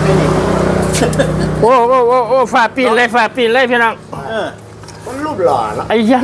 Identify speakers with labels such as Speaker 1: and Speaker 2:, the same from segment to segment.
Speaker 1: ไหมนี่
Speaker 2: โอ้ฝ่าปีนเลยพี่น้อง
Speaker 1: มันรูปหล่อแล้ว
Speaker 2: ไอ้ยา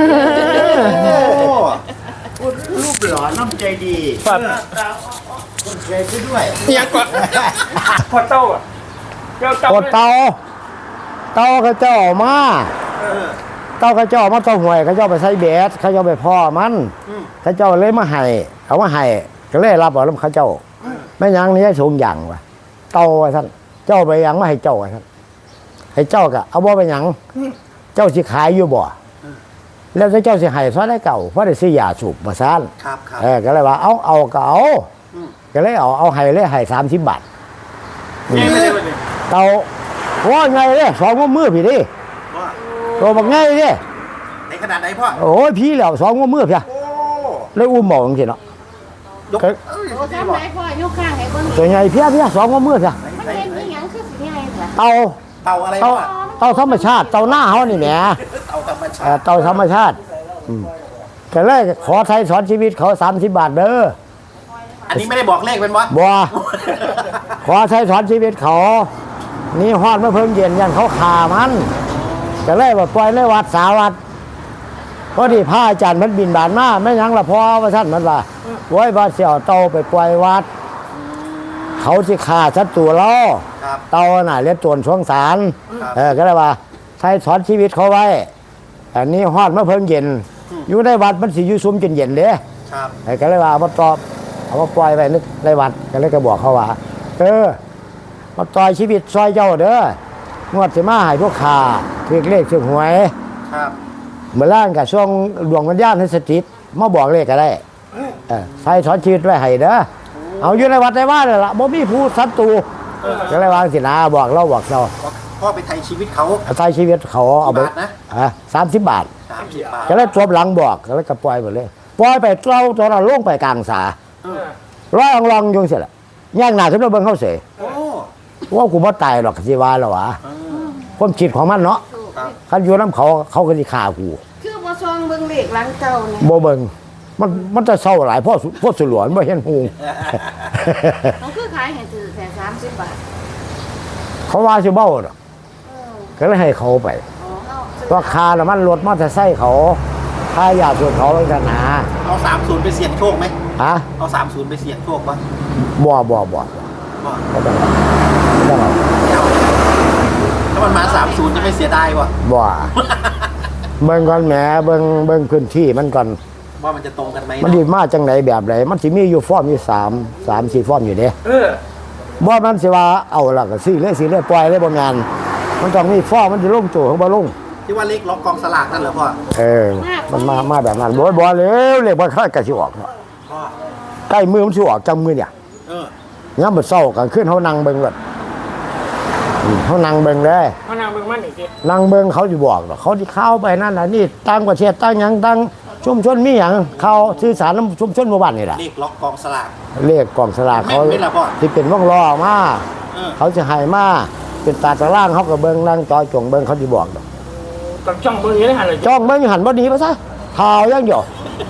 Speaker 1: รูปหล่อน้ำใจดี
Speaker 2: ฝ่า
Speaker 1: คนใจไปด้วย
Speaker 2: ยังกดเต้าอ่ะ
Speaker 3: กดเตาเขาเจ้ามาเตาเขาเจ้ามาต้องห่วยเขาเจ้าไปใส่เบสเขาเจ้าไปพ่อมันเขาเจ้าเลยมาให้เอามาให้ก็เลยรับเอาแล้วเขาเจ้าไม่ยังนี่ให้สูงอย่างวะเตาท่านเจ้าไปยังไม่ให้เจ้าท่านให้เจ้าก็เอาบ่ไปยังเจ้าสิขายอยู่บ่แล้วเจ้าสิให้ซะได้เก่าเพราะได้ซื้อยาสูบมาซ่านก็เลยว่าเอาก็เอาก็เลยเอาให้เลยให้30 บาทเตาว่าไงเนี่ย2 มือพี่ดิตัวบักไงดิ
Speaker 1: ในขนาดไหนพ่อ
Speaker 3: โอ้ยพี่แล้ว2 มือพี่เลยอุ้มหมองสิเนาะ
Speaker 4: ทำไมพ่อยกข้างให้เบิ่ง
Speaker 3: ตัวใหญ่พี่2 มือพี่
Speaker 4: มันเป็นอีหยังคือสิใหญ่เหรอ
Speaker 3: เตา
Speaker 1: อะไร
Speaker 3: เตาธรรมชาติเตาหน้าเขานี่แหมเตาธรรมชาติก็เลยขอไทยสอนชีวิตเขา30 บาทเด้อ
Speaker 1: อันนี้ไม่ได้บอกเลขเป็นวะ
Speaker 3: บ่ขอไทยสอนชีวิตเขานี่ฮอดเมื่อเพิ่งเย็นยันเขาขามันก็เลยว่าปล่อยเลยวัดสาวัดพอดีพระอาจารย์มันบินบานมาไม่ยังละพอว่าท่านมันว่าไว้บาเสี่ยวเตาไปปล่อยวัดเขาสิขาชัดตัวล้อเตาหน่ะเรียกโจรช่วงสารก็เลยว่าไทยสอนชีวิตเขาไว้อันนี้ฮอดเมื่อเพิ่งเย็นอยู่ในวัดมันสิอยู่ซุ้มจนเย็นเด้ก็เลยว่ามาตอบเอามาปล่อยไปนึกในวัดก็เลยก็บอกเขาว่ามาต่อยชีวิตซอยเจ้าเด้องวดสิมาให้พวกขาถือเลขถือหวยเมื่อล่างกับช่วงดวงวิญญาณให้สถิตมาบอกเลขก็ได้ใส่สอนชีวิตไว้ให้เด้อเอาอยู่ในวัดในบ้านเลยล่ะบ่มีผู้ศัตรูก็เลยวางสินะบอกเรา
Speaker 1: พ่อไปไทยชีวิตเขา
Speaker 3: ไทยชีวิตเขาเอาไป30 บาทก็เลยจบหลังบอกก็เลยก็ปล่อยหมดเลยปล่อยไปเราตัวเราลงไปกลางสาลองยงเสร็จละย่างหน้าขึ้นมาเบิ่งเขาเสียว่ากูไม่ตายหรอกสิวาแล้ววะความคิดของมันเนาะคันอยู่น้ำเขาก็จะฆ่ากู
Speaker 4: คือบ่ซองเบิ่งเลขหลังเก่าเนี่ย
Speaker 3: บ่เบิ่งมันจะเศร้าหลายพ่อสุหลวนบ่เห็นหู
Speaker 4: เขาคือขายให้ถือแค่30 บาท
Speaker 3: เขาว่าสิเบ้าเนาะก็เลยให้เขาไปว่าคาแล้วมันรถมอเตอร์ไซค์เขาค่ายาส่วนเขาไว้กันหา
Speaker 1: เอา30ไปเสี่ยงโชคไหมเอา30ไปเสี่ยงโชคป่ะ
Speaker 3: บ่ไม่ต้อง
Speaker 1: ถ้ามันมา30จะไม่เสียดายวะ
Speaker 3: บ่เบิ่งก่อนแหมเบิ่งพื้นที่มันก่อน
Speaker 1: ว่ามันจะตรงกันไหม
Speaker 3: มันดีมาจังไหนแบบไหนมันสิมีอยู่ฟอร์มอยู่3-4 ฟอร์มอยู่เด้บ่มันสิว่าเอาล่ะก็ซื้อเลยปล่อยเลยบ่งานมันต้องมีฟอร์มมันสิลงโจของบ่ลง
Speaker 1: ที่ว่าเลขล็อกกองสลากนั่นเหรอพ่อ
Speaker 3: มันมาแบบนั้นบ่เร็วเลขบ่ค่อยกะสิออกใกล้มือมันสิออกจังมือเนี่ยงั้นบ่เศร้ากันขึ้นเขานั่งเบิ่งเลยเขานั่งเบิ่งเลย
Speaker 2: เขานั่งเบิ่งมันอีกที
Speaker 3: นั่งเบิ่งเขาจะบอกหรอกเขาที่เข้าไปนั่นน่ะนี่ตั้งประเทศตั้งหยังตั้งชุมชนมีหยังเขาสื่อสารชุมชนหมู่บ้านนี่แหละ
Speaker 1: เลขล็อกกองสลาก
Speaker 3: เลขกองสลากเขาที่เป็นวงล้อมาเขาจะให้มาเป็นตาตะล่างเขาก็เบิ่งนั่งจอยจงเบิ่งเขาจะบอก
Speaker 2: ต้องจ้องเบิ่งอยู่ในหันเลย
Speaker 3: จ้องเบิ่งหันบ่ดีป่ะซะข่าวยังอยู่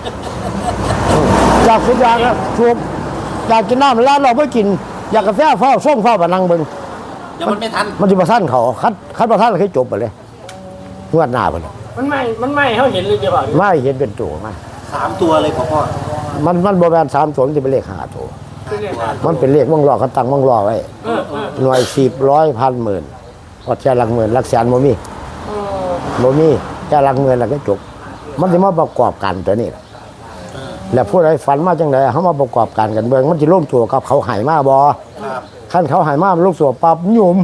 Speaker 3: จากสุดยอดแล้วชุบอยากกินน้ำแล้วเราไม่กินอยากกาแฟเฝ้าส่งเฝ้าบะนังเบิ่ง
Speaker 1: เดี๋ยวมันไม่ทัน
Speaker 3: มันจะมาสั้นเขาคัดมาสั้นเลยให้จบไปเลยงวดหน้าไปเลย
Speaker 2: มันไม่เขาเห็นเลยเดี๋ยว
Speaker 3: ไม่เห็นเป็นตัวมา
Speaker 1: 3 ตัวเลยพ่อ
Speaker 3: มันบริเวณ3 ตัวจะเป็นเลข5 ตัวมันเป็นเลขวงล้อเขาตั้งวงล้อไว้หน่วย10 ร้อยพันหมื่นพอแค่หลักหมื่นหลักแสนโมมี่แค่หลักหมื่นแล้วก็จบมันจะมาประกอบกันตัวนี้แล้วผู้ใดฝันมาจังไดเขามาประกอบกันกันเบิ่งมันจะร่วมตัวกับเขาหายมาบ่ขั้นเขาหายมาลูกตัวปั๊บหยุ่ม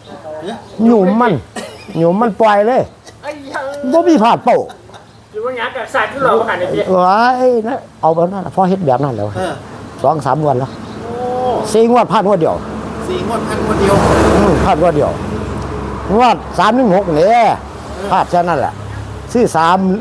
Speaker 3: มันปล่อยเลยบ่มีพลาดเป้า
Speaker 2: อยู่ว่างั้นกับสายที่เราผ่านในที่
Speaker 3: ว้ายนะเอาแบบนั้นพอเฮ็ดแบบนั้นแล้ว2-3 งวดแล้ว4 งวดพลาดงวดเดียว
Speaker 1: 4 งวดพลาดงวดเดียว
Speaker 3: พลาดงวดเดียวงวด3-6เนี่ยพลาดแค่นั้นแหละซื้อ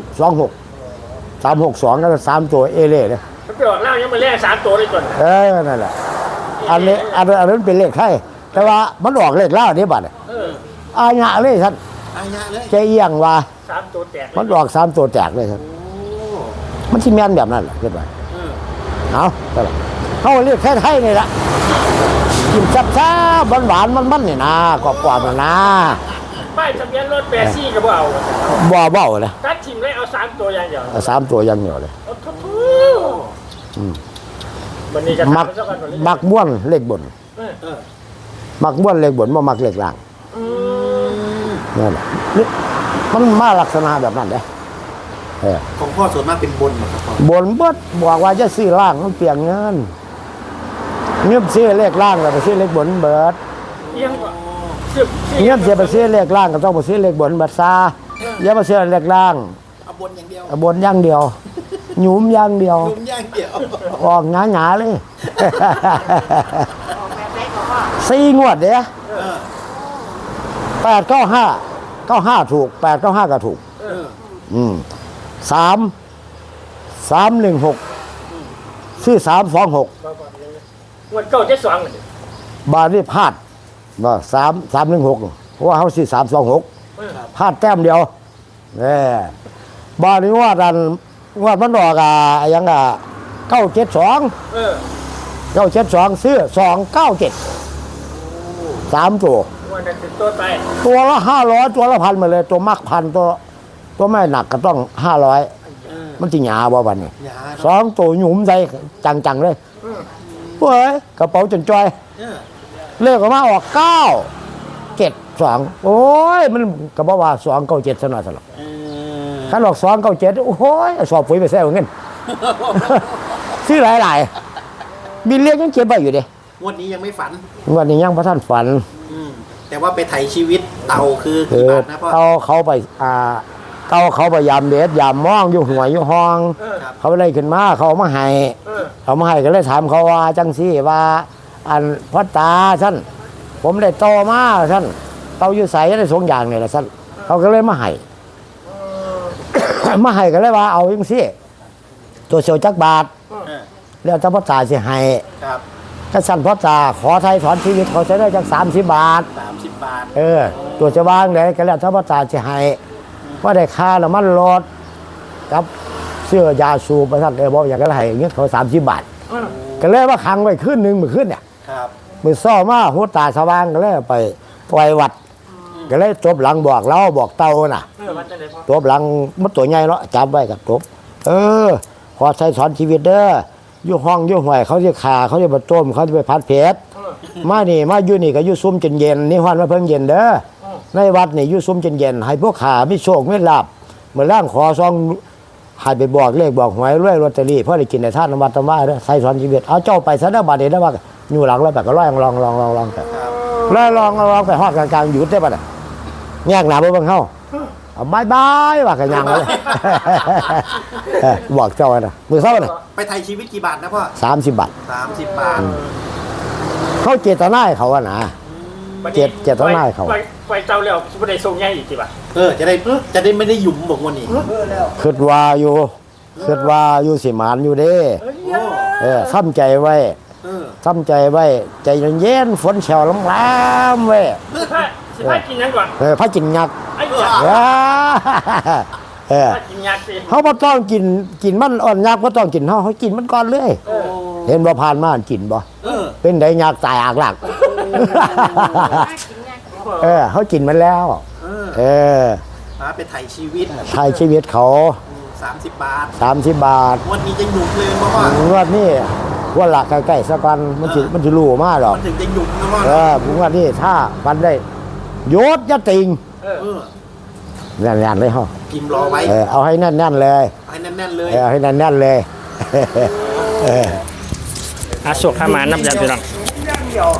Speaker 3: 3-2-6 แล้ว3 ตัวเอเล่เลย
Speaker 2: ไปออกเล่ายังมาแลก3 ตัวเลยก่อน
Speaker 3: นั่นแหละอันนี้เป็นเลขไทยแต่ว่ามันออกเลขเล่านี่บัดอาญะเลยท่านใจเอียงว่า
Speaker 2: 3 ตัวแตก
Speaker 3: มันออก3 ตัวแตกเลยท่านมันที่แม่นแบบนั้นแหละขึ้นไปเอาเรียกแค่ไทยนี่แหละกินแซ่บๆหวานๆมันๆนี่นะกรอบๆนะ
Speaker 2: ป้ายทะเบียนรถ84ก็บ่เอา
Speaker 3: บ่เบ้าเลย
Speaker 2: ตัดทิมเลยเอา3ตัวอย่างเดียว
Speaker 3: เอา3ตัวอยังเดียวเลย
Speaker 2: โอ้โหวันนี้จะ
Speaker 3: มัก
Speaker 2: ทำเจ้ากันก่อนเลย
Speaker 3: มักบ้วนเลขบน
Speaker 1: เออ
Speaker 3: มักบ้วนเลขบนบ่มักเลขล่าง
Speaker 2: อืม
Speaker 3: นั่นแหละนี่มันมาลักษณะแบบนั้นเด้เออ
Speaker 1: ของพ่อส่วนมากเป็นบนหมดครับพ่อบ
Speaker 3: นเบิดบอกว่าจะซื้อล่างมันเปลี่ยนเงินเงียบซื้อเลขล่างแล้วไปซื้อเลขบนเบิด
Speaker 2: เอียงกว่า
Speaker 3: เงียบเสียไปซื้อเลขล่างก็ต้องไปซื้อเลขบนเบิดซาอย่าไปซื้อเลขล่าง
Speaker 1: เอาบนอย่างเดียว
Speaker 3: เอาบนอย่างเดียวหยุมอย่างเดียว
Speaker 1: นุ่มย่างเดียว
Speaker 3: ออกหงาๆเลย
Speaker 4: ออกแบบไหนก็ว่า
Speaker 3: 4 งวดเด้
Speaker 1: เออ
Speaker 3: 895ถูก895ก็ถูก
Speaker 1: เออ
Speaker 3: 316ซื้อ326
Speaker 2: วันเก่า72เลย
Speaker 3: บาทนี่พลาดว่า316เพราะว่าเขาซื้อ326พลาดแต้มเดียวบาทนี้ว่าดันว่ามันดอกยัง972
Speaker 2: เออ
Speaker 3: 972ซื้อ297 3ตัว
Speaker 2: วันนั้นติดตัวไป
Speaker 3: ตัวละ500ตัวละ1,000มาเลยตัวมัก1,000ตัวไม่หนักก็ต้อง500มันสิหยาบ่บัดนี้
Speaker 1: อย่า
Speaker 3: สองตัวหยุมใจจังๆเลยเฮ้ยกระเป๋าจนจอย
Speaker 1: เออ
Speaker 3: เลขออกมาออก972โอ้ยมันก็บอกว่า297ซะหน่อยซะหรอก
Speaker 1: เออ
Speaker 3: คันออก297โอ้ยสอบปุ๋ยไปแซ่เอาเงิน ซื้อหลายๆบินเรียกยังเก็บไว้อยู่เด้
Speaker 1: งวดนี้ยังไม่ฝัน
Speaker 3: วันนี้ยังบ่ทันฝัน
Speaker 1: แต่ว่าไปไถชีวิตเต่าคือ
Speaker 3: คื
Speaker 1: กี่
Speaker 3: อบ
Speaker 1: าทนะพ่อ
Speaker 3: เขาไปเขาไปยามเด็ดยามมองอยู่หัวยอยู่ห้อง
Speaker 1: ครับ
Speaker 3: เขาเลยขึ้นมาเขาเอามาให้ เขามาให้ก็เลยถามเขาว่าจังซี่ว่าอันพ่อตาท่านผมได้โตมาท่านเตาอยู่ใสได้สองอย่างนี่แหละท่านเขาก็เลยมาให้ มาให้ก็เลยว่าเอาจังซี่ตัวเสียวจักบาท
Speaker 1: เออ
Speaker 3: แล้วถ้าพ่อตาสิให้
Speaker 1: ครับ
Speaker 3: ถ้าสั่นพ่อตาขอไทยถอนชีวิตเขาจะได้จัก30 บาท
Speaker 1: 30 บาท
Speaker 3: ตัวจะวางเลยก็แล้วถ้าพ่อตาสิให้ว่าได้ค่าน้ำมันรถกับเสื้อยาสูบไปท่านบอกอย่างก็ให้เงี้ยเขา30 บาท ก็เลยว่าขังไว้คืนหนึ่งมื้อคืนเนี่ย
Speaker 1: ครับ
Speaker 3: มือซ่อมาหัวตาสว่างก็เลยไปปล่อยวัด ก็เลยจบหลังบอกเราบอกเตาน่ะ
Speaker 2: มันจะได้พอ
Speaker 3: จบหลังมันตัวใหญ่เนาะจับไว้กับจบขอใช้สอนชีวิตเด้ออยู่ห้องอยู่ห่วยเขาจะขาเขาจะมาต้มเขาจะไปพัดเพชรมานี่มาอยู่นี่ก็อยู่ซุ้มจนเย็นนี่ฮอนมาเพิ่งเย็นเด้อในวัดนี่อยู่ซุ้มจนเย็นให้พวกขาไม่โชคไม่หลับเหมือนร่างขอซองให้ไปบอกเลขบอกหวยรวยลอตเตอรี่เพื่อได้กินในท่านนวัดธรรมะเด้อใช้สอนชีวิตเอาเจ้าไปซะเด้อบาดนี้นะว่าอยู่หลังแล้วแบบก็ลองไป
Speaker 1: ครับ
Speaker 3: แล้วลองไปฮอดกลางๆหยุดได้ป่ะน่ะแยกหนาบ่เบิ่งเฮาเอาบายว่ากันยังเลย บอกเจ้าน่ะมื้อเช้าน่ะ
Speaker 1: ไปไถชีวิตกี่บาทนะพ่อ
Speaker 3: 30 บาท
Speaker 1: 30 บาท
Speaker 3: เขาเจตนาให้เขาอะนะ เจ็ดเท่าหน้าเขา
Speaker 2: ไปเจ้าแล้วไม่ได้ส่งใหญ่อีกทีป่ะ
Speaker 1: จะได้ไม่ได้หยุ่มบอกวันนี้
Speaker 3: คิดว่าอยู่สิหมานอยู่เด้ทำใจไว้
Speaker 1: เออ
Speaker 3: ทำใจไว้ใจเย็นๆฝนแฉวล้ำๆไว้
Speaker 2: สิพากินยังก่อน
Speaker 3: พระจินยักษ์
Speaker 2: ไอ้ยา พากินยักษ์สิ
Speaker 3: เขาบ่ต้องกินมันอ่อนยักษ์บ่ต้องกินเขากินมันก่อนเลย
Speaker 1: โอ้
Speaker 3: เห็นบ่ผ่านมากินบ่
Speaker 1: เออ
Speaker 3: เป็นไดยักษ์ตายอากหลัก
Speaker 4: กินเนี่ย
Speaker 3: เขากินมันแล้ว
Speaker 1: เออไปไถชีวิต
Speaker 3: ถ่ายชีวิตเขา
Speaker 1: 30 บาท
Speaker 3: 30 บาท
Speaker 1: วันนี้จะหยุ่มเลยเพราะว่าง
Speaker 3: วดนี้ว่าหลักใกล้ๆสักวันมันสิรู้มาหรอก
Speaker 1: มันถึงจะหยุ่มนะพ่อ
Speaker 3: ผมว่านี่ถ้ามันได้ยศยะติง
Speaker 1: เออ
Speaker 3: แน่นๆเลยเฮา
Speaker 1: พิมพ์รอไว้
Speaker 3: เอาให้แน่นๆเลย
Speaker 1: ให้แน่นๆเลย
Speaker 3: เอาให้แน่นๆเลย
Speaker 2: อาสุขขามานับยาพี่น้อง
Speaker 3: ย่างเดียว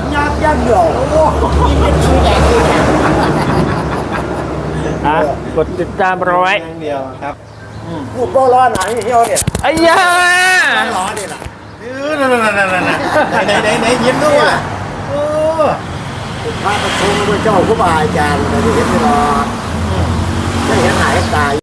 Speaker 2: กดติดตามเราไว้
Speaker 1: อย่างเดียวครับ
Speaker 3: พูดบ่ร้อนหนังเที่ยวเนี่ย
Speaker 2: ไอ้ยา
Speaker 1: ร้อนนี่แหละไหนยิ้มด้วยว่ะ
Speaker 3: พระประชุมพระเจ้าผู้บาอาจารย์ได้เห็นตลอดได้เห็นหายตาย